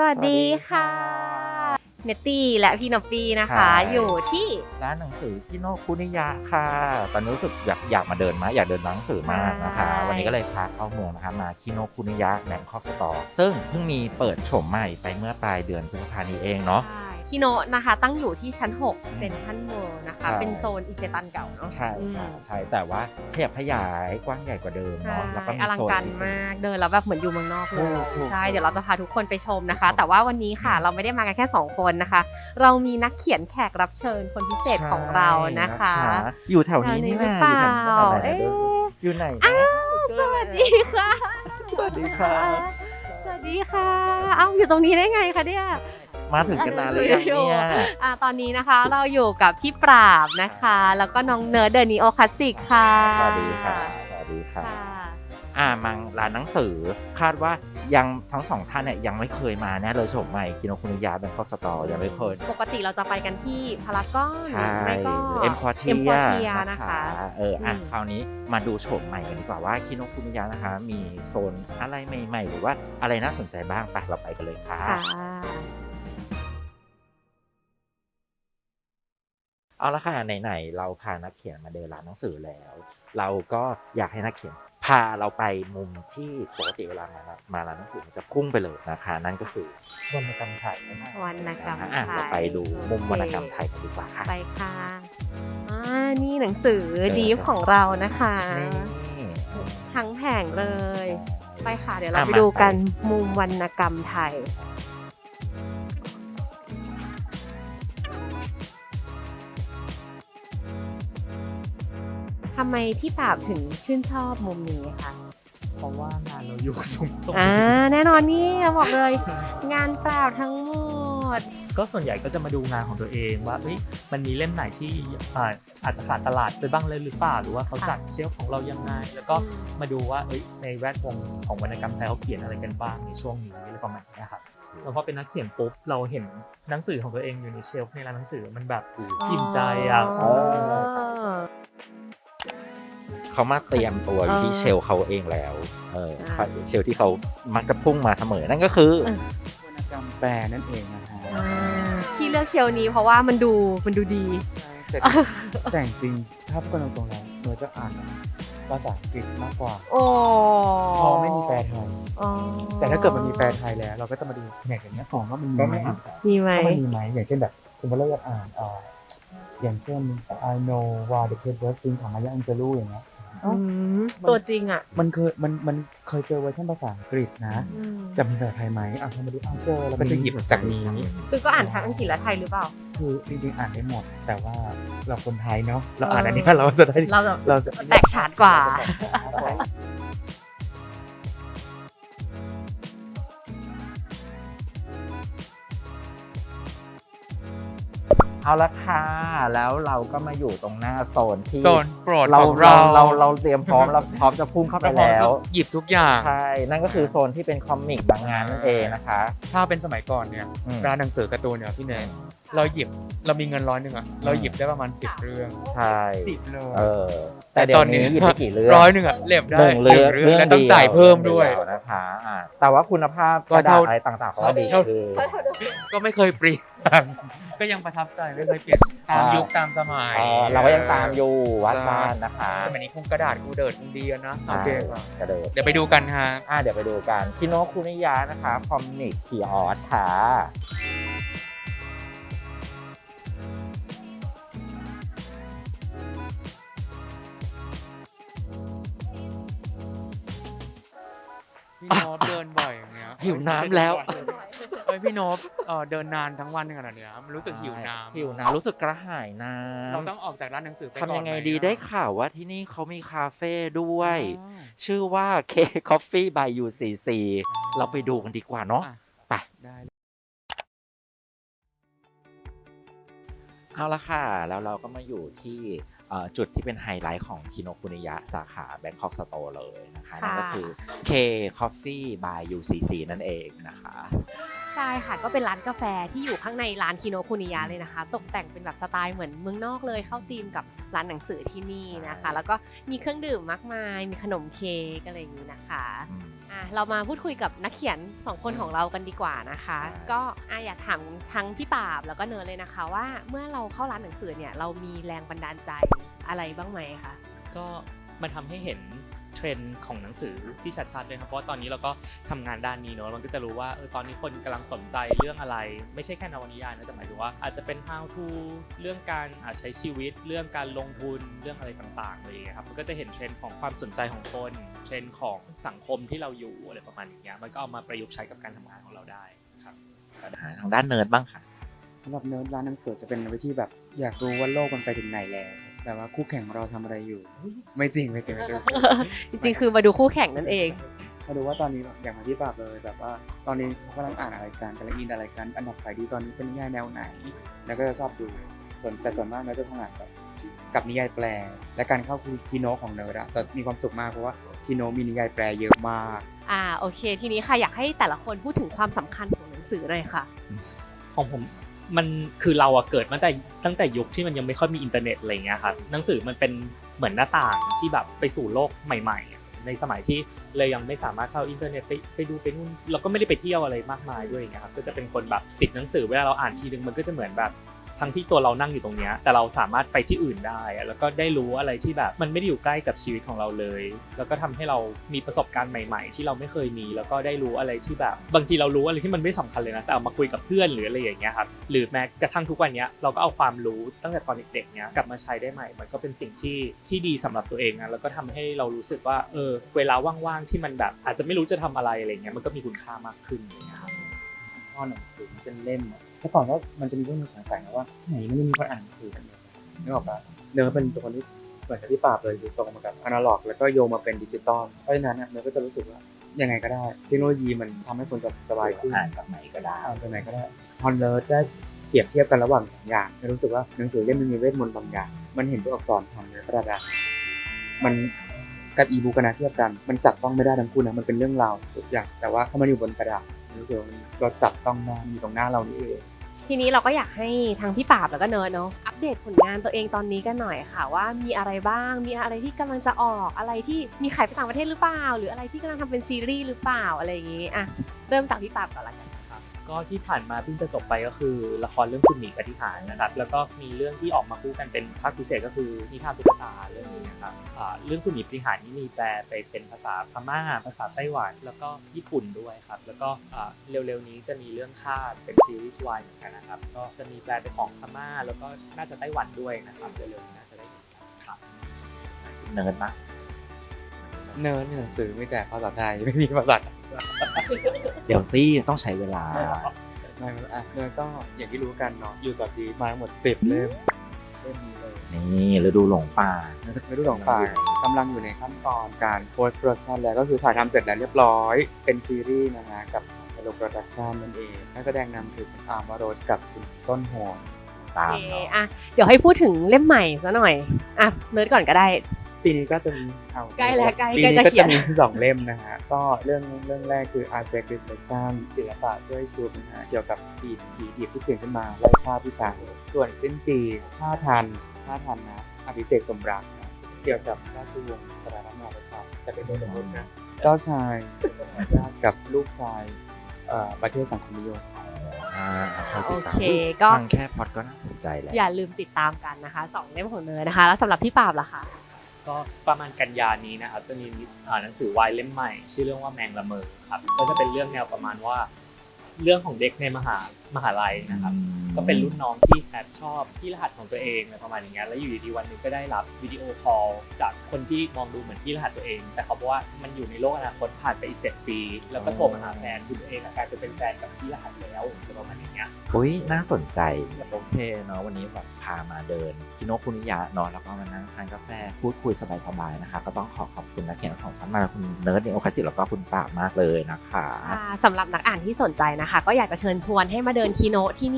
วัสดีค่ะเนตตี้และพี่นอปปี้นะคะอยู่ที่ร้านหนังสือชิโนคุนิยะค่ะตอนนี้รู้สึกอยากมาเดินอยากเดินร้านหนังสือมากนะคะวันนี้ก็เลยพาเข้าเมืองนะคะมาชิโนคุนิยะแบงคอกสตอร์ซึ่งเพิ่งมีเปิดโฉมใหม่ไปเมื่อปลายเดือนพฤษภาคมนี้เองเนาะคิโนะนะคะตั้งอยู่ที่ชั้น6เซ็นทรัลเวิลด์นะคะเป็นโซนอิเซตันเก่าเนาะใช่ค่ะใช่แต่ว่าขยับขยายกว้างใหญ่กว่าเดิมเนาะแล้วก็มีอลังโซนการมากเดินแล้วแบบเหมือนอยู่เมืองนอกเลยใช่เดี๋ยวเราจะพาทุกคนไปชมนะคะแต่ว่าวันนี้ค่ะเราไม่ได้มากันแค่2คนนะคะเรามีนักเขียนแขกรับเชิญคนพิเศษของเรานะคะอยู่แถวนี้นี่แหละอยู่ไหนสวัสดีค่ะสวัสดีค่ะสวัสดีค่ะอ้าวอยู่ตรงนี้ได้ไงคะเนี่ยมาถึงกันนานเลยเนี่ยตอนนี้นะคะเราอยู่กับพี่ปราบนะคะแล้วก็น้องเนิร์ดเดอะนีโอคลาสสิกค่ะสวัสดีค่ะสวัสดีค่ะมังร้านหนังสือคาดว่ายังทั้งสองท่านเนี่ยยังไม่เคยมาแน่เลยโฉมใหม่คิโนคุนิยะแบงคอกสตอร์ยังไม่เคยปกติเราจะไปกันที่พารากอนไม่ก็เอ็มควอเทียนะคะคราวนี้มาดูโฉมใหม่กันดีกว่าว่าคิโนคุนิยะนะคะมีโซนอะไรใหม่ๆหรือว่าอะไรน่าสนใจบ้างไปเราไปกันเลยค่ะเอาละค่ะไหนๆเราพานักเขียนมาเดินร้านหนังสือแล้วเราก็อยากให้นักเขียนพาเราไปมุมที่ปกติเวลามาร้านหนังสือมันจะพุ่งไปเลยนะคะนั่นก็คือวรรณกรรมไทยวรรณกรรมไทยเราไปดูมุมวรรณกรรมไทยกันดีกว่าค่ะไปค่ะนี่หนังสือดีฟของเรานะคะทั้งแผงเลยไปค่ะเดี๋ยวเราไปดูกันมุมวรรณกรรมไทยทำไมพี่ปราบถึงชื่นชอบมุมนี้คะเพราะว่างานเราอยู่สูงตรงแน่นอนนี่เราบอกเลยงานเปล่าทั้งหมดก็ส่วนใหญ่ก็จะมาดูงานของตัวเองว่ามันมีเล่มไหนที่อาจจะขาดตลาดไปบ้างเลยหรือเปล่าหรือว่าเขาจัดเชลฟ์ของเรายังไงแล้วก็มาดูว่าในแวดวงของวรรณกรรมไทยเขาเขียนอะไรกันบ้างในช่วงนี้อะไรประมาณนี้ครับแล้วพอเป็นนักเขียนปุ๊บเราเห็นหนังสือของตัวเองอยู่ในเชลฟ์ในร้านหนังสือมันแบบอิ่มใจเขามาเตรียมตัวอยู่ที่เชลเขาเองแล้วเชลที่เขามักจะพุ่งมาเสมอนั่นก็คือวรรณกรรมแปลนั่นเองนะฮะที่เลือกเชลนี้เพราะว่ามันดูดีแต่จริงถ้าพูดกันตรงๆแล้วเมื่อจะอ่านภาษาอังกฤษมากกว่าเพราะไม่มีแปลไทยแต่ถ้าเกิดมันมีแปลไทยแล้วเราก็จะมาดูอย่างเงี้ยของว่ามันมีไหมอย่างเช่นแบบคุณพ่อเลิกอ่านอย่างเช่น I know why the cat was sing ของมายาอังเจลูอย่างเงี้ยตัวจริงอ่ะมันเคยเจอเวอร์ชันภาษาอังกฤษนะแต่มีภาษาไทยไหมพอมาดูเจอแล้วก็จะหยิบจากนี้คือก็อ่านทั้งอังกฤษและไทยหรือเปล่าคือจริงๆอ่านได้หมดแต่ว่าเราคนไทยเนาะเราอ่านอันนี้เราจะแตกฉานกว่าเอาละค่ะแล้วเราก็มาอยู่ตรงหน้าโซนที่โปรดเราเตรียมพร้อมเราพร้อมจะพุ่งเข้าไปแล้วหยิบทุกอย่างใช่นั่นก็คือโซนที่เป็นคอมิกบางงานนั่นเองนะคะถ้าเป็นสมัยก่อนเนี่ยร้านหนังสือการ์ตูนเนี่ยพี่เนยเรามีเงิน100อ่ะเราหยิบได้ประมาณ10 เรื่องใช่ 10เลยแต่ตอนนี้หยิบไปกี่เรื่อง 100อ่ะเล่มได้1 เรื่องแล้วต้องจ่ายเพิ่มด้วยนะคะแต่ว่าคุณภาพกระดาษอะไรต่างๆก็ดีคือก็ไม่เคยเปลี่ยนก็ยังประทับใจไม่เคยเปลี่ยนตามยุคตามสมัยเราก็ยังตามอยู่วัดบ้านนะคะแต่วันนี้คงกระดาษกูเดิดคงดีนะโอเคกระเดิดเดี๋ยวไปดูกันฮะเดี๋ยวไปดูกันคิโนคุนิยะนะคะคอมิกคีออสค่ะพี่โนบเดินบ่อยอย่างเงี้ยหิวน้ำแล้วพี่โนบเดินนานทั้งวันขนาดเนี้ยมันรู้สึกหิวน้ำรู้สึกกระหายน้ำเราต้องออกจากร้านหนังสือไปก่อนทำยังไงดีได้ข่าวว่าที่นี่เขามีคาเฟ่ด้วยชื่อว่า K Coffee by UCC เราไปดูกันดีกว่าเนาะไปได้เอาละค่ะแล้วเราก็มาอยู่ที่จุดที่เป็นไฮไลท์ของคิโนคุนิยะสาขาแบงคอกสโตร์เลยนะคะนั่นก็คือ K Coffee by UCC นั่นเองนะคะใช่ค่ะก็เป็นร้านกาแฟที่อยู่ข้างในร้านคิโนคุนิยะเลยนะคะตกแต่งเป็นแบบสไตล์เหมือนเมืองนอกเลยเข้าธีมกับร้านหนังสือที่นี่นะคะแล้วก็มีเครื่องดื่มมากมายมีขนมเค้กอะไรอย่างนี้นะคะเรามาพูดคุยกับนักเขียน2คนของเรากันดีกว่านะคะ ก็อยากถามทั้งพี่ปราบแล้วก็เนิร์ดเลยนะคะว่าเมื่อเราเข้าร้านหนังสือเนี่ยเรามีแรงบันดาลใจอะไรบ้างไหมคะก็มันทำให้เห็นเทรนด์ของหนังสือที่ชัดๆเลยครับเพราะว่าตอนนี้เราก็ทำงานด้านนี้เนอะมันก็จะรู้ว่าตอนนี้คนกำลังสนใจเรื่องอะไรไม่ใช่แค่นวนิยายนะแต่หมายถึงว่าอาจจะเป็น how to เรื่องการใช้ชีวิตเรื่องการลงทุนเรื่องอะไรต่างๆเลยครับมันก็จะเห็นเทรนด์ของความสนใจของคนเทรนด์ของสังคมที่เราอยู่อะไรประมาณอย่างเงี้ยมันก็เอามาประยุกต์ใช้กับการทำงานของเราได้ครับทางด้านเนิร์ดบ้างค่ะสำหรับเนิร์ดร้านหนังสือจะเป็นวิธีแบบอยากรู้ว่าโลกมันไปถึงไหนแล้วแบบว่าคู่แข่งของเราทำอะไรอยู่ ไม่จริงจริงๆคือมาดูคู่แข่งนั่นเองมาดูว่าตอนนี้อย่างที่ปราบเลยแบบว่าตอนนี้เขากำลังอ่านอะไรกันกำลังอินอะไรกันอันดับขายดีตอนนี้เป็นนิยายแนวไหน แล้วก็จะชอบดูแต่ส่วนมากเนิร์ดจะทำงานกับนิยายแปลและการเข้าคีโนของเนิร์ดอะจะมีความสุขมากเพราะว่าคีโนมีนิยายแปลเยอะมากโอเคทีนี้ค่ะอยากให้แต่ละคนพูดถึงความสำคัญของหนังสือหน่อยค่ะของผมมันคือเราเกิดมาตั้งแต่ยุคที่มันยังไม่ค่อยมีอินเทอร์เน็ตอะไรเงี้ยครับหนังสือมันเป็นเหมือนหน้าต่างที่แบบไปสู่โลกใหม่ๆในสมัยที่เรายังไม่สามารถเข้าอินเทอร์เน็ตไปดูไปนู่นเราก็ไม่ได้ไปเที่ยวอะไรมากมายด้วยอย่างเงี้ยครับก็จะเป็นคนแบบติดหนังสือเวลาเราอ่านทีนึงมันก็จะเหมือนแบบทั้งที่ตัวเรานั่งอยู่ตรงเนี้ยแต่เราสามารถไปที่อื่นได้แล้วก็ได้รู้อะไรที่แบบมันไม่ได้อยู่ใกล้กับชีวิตของเราเลยแล้วก็ทำให้เรามีประสบการณ์ใหม่ๆที่เราไม่เคยมีแล้วก็ได้รู้อะไรที่แบบบางทีเรารู้อะไรที่มันไม่สำคัญเลยนะแต่เอามาคุยกับเพื่อนหรืออะไรอย่างเงี้ยครับหรือแม้กระทั่งทุกวันนี้เราก็เอาความรู้ตั้งแต่ตอนเด็กๆเนี้ยกลับมาใช้ได้ใหม่มันก็เป็นสิ่งที่ดีสำหรับตัวเองนะแล้วก็ทำให้เรารู้สึกว่าเวลาว่างๆที่มันแบบอาจจะไม่รู้จะทำอะไรอะไรเงี้ยมันก็มีคุณค่ามากขึ้นอย่างเงี้ยครับข้อหนังสือเป็นเล่มแต่ก่อนก็มันจะมีเรื่องสงสัยนะว่าไหนมันไม่มีคนอ่านหนังสือกันเลยนึกออกปะเนื้อเป็นตัวคนที่เหมือนกับที่ปราบเลยคือตรงมากับอนาล็อกแล้วก็โยงมาเป็นดิจิตอลเพราะฉะนั้นเนื้อก็จะรู้สึกว่ายังไงก็ได้เทคโนโลยีมันทำให้คนสบายขึ้นอ่านจากไหนก็ได้จากไหนก็ได้พอเนิร์ดได้เปรียบเทียบกันระหว่างสองอย่างรู้สึกว่าหนังสือเล่มมันมีเวทมนต์บางอย่างมันเห็นตัวอักษรผ่านเนื้อกระดาษมันกับอีบุ๊กนะเทียบกันมันจับต้องไม่ได้ทั้งคู่นะมันเป็นเรื่องราวทุกอย่างแต่ว่าถ้ามันอยู่บนกระดาษรู้สึกว่าเราจับต้องได้อยู่ตรงหน้าเรานี่เองทีนี้เราก็อยากให้ทางพี่ปราบแล้วก็เนิร์ดเนาะอัปเดตผลงานตัวเองตอนนี้กันหน่อยค่ะว่ามีอะไรบ้างมีอะไรที่กำลังจะออกอะไรที่มีขายไปต่างประเทศหรือเปล่าหรืออะไรที่กำลังทำเป็นซีรีส์หรือเปล่าอะไรอย่างงี้เริ่มจากพี่ปราบก่อนละกันก็ที่ผ่านมาเพิ่งจะจบไปก็คือละครเรื่องคุณหมีปฏิหารนะครับแล้วก็มีเรื่องที่ออกมาคู่กันเป็นภาคพิเศษก็คือนิทานตุ๊กตาเรื่องนี้นะครับเรื่องคุณหมีปฏิหารนี่มีแปลไปเป็นภาษาพม่าภาษาไต้หวันแล้วก็ญี่ปุ่นด้วยครับแล้วก็เร็วๆนี้จะมีเรื่องคาดเป็นซีรีส์วายเหมือนกันนะครับก็จะมีแปลเป็นของพม่าแล้วก็น่าจะไต้หวันด้วยนะครับเร็วๆนี้น่าจะได้เห็นครับเนิร์ดนะเนิร์ดมีหนังสือไม่แต่ภาษาไทยไม่มีภาษาเดี๋ยวซี่ต้องใช้เวลาไม่เนิร์ดก็อย่างที่รู้กันเนาะอยู่กับดีมาทั้งหมด10 เล่มนี้เลยนี่ฤดูหลงป่าฤดูหลงป่ากำลังอยู่ในขั้นตอนการ post production แล้วก็คือถ่ายทำเสร็จแล้วเรียบร้อยเป็นซีรีส์นะฮะกับโลโปรดักชั่นนั่นเองนักแสดงนำคือคุณอาร์มวโรสกับคุณต้นโหนตามเดี๋ยวให้พูดถึงเล่มใหม่ซะหน่อยเนิร์ดก่อนก็ได้ปีนี้ก็จะมีใกล้แล้วใกล้จะเขียนมี2 เล่มนะฮะก็เรื่องแรกคือ Art Break Reflection ศิลปะช่วยชูนะฮะเกี่ยวกับผีดิบที่เกิดขึ้นมาไล่ฆ่าผู้ชายส่วนสิ้นปีท่าทันนะอภิเษกสมรักนะเกี่ยวกับราชวงศ์สารนาประชาจะเป็นตัวสมมตินะเจ้าชายกับลูกชายประเทศสังคมนิยมโอเคก็ฟังแค่พอดก็น่าสนใจแล้วอย่าลืมติดตามกันนะคะ2 เล่มของเนยนะคะแล้วสำหรับพี่ปราบล่ะคะก็ประมาณกันยานี้นะครับจะมีหนังสือวายเล่มใหม่ชื่อเรื่องว่าแมงละเมอครับก็จะเป็นเรื่องแนวประมาณว่าเรื่องของเด็กในมหาลัยนะครับก็เป็นรุ่นน้องที่แอบชอบที่รหัสของตัวเองอะไรประมาณอย่างเงี้ยแล้วอยู่ดีๆวันนึงก็ได้รับวิดีโอคอลจากคนที่มองดูเหมือนที่รหัสตัวเองแต่เขาบอกว่ามันอยู่ในโลกอนาคตผ่านไปอีก7 ปีแล้วก็โทรมาหาแฟนคือตัวเองกลายเป็นแฟนกับที่รหัสแล้วอะไรประมาณอย่างเงี้ยน่าสนใจโอเคเนาะวันนี้แบบพามาเดินคิโนคุนิยะเนาะแล้วก็มานั่งทานกาแฟพูดคุยสบายๆนะคะก็ต้องขอบคุณนักเขียนของท่านมาคุณเนิร์ดในโอคาซิแล้วก็คุณปราบมากเลยนะคะสำหรับนักอ่านที่สนใจนะคะก็อยากจะเชิญชวนให้มาเดินคีโนที่นี่นะคะ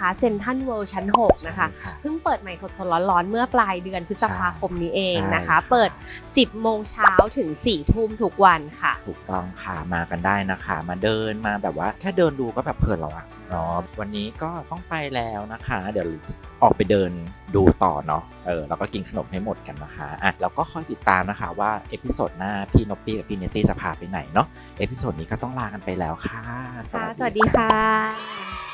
เซ็นทรัลเวิลด์ชั้น 6 นะคะ เพิ่งเปิดใหม่สดๆร้อนๆเมื่อปลายเดือนพฤษภาคมนี้เองนะคะ เปิด 10 โมงเช้าถึง 4 ทุ่มทุกวันค่ะถูกต้องค่ะมากันได้นะคะมาเดินมาแบบว่าแค่เดินดูก็แบบเพลินแล้วอะเนาะวันนี้ก็ต้องไปแล้วนะคะเดี๋ยวออกไปเดินดูต่อเนาะแล้วก็กินขนมให้หมดกันนะคะแล้วก็คอยติดตามนะคะว่าเอพิโซดหน้าพี่นอปปี้กับพี่เนตตี้จะพาไปไหนเนาะเอพิโซดนี้ก็ต้องลากันไปแล้วค่ะสวัสดีค่ะ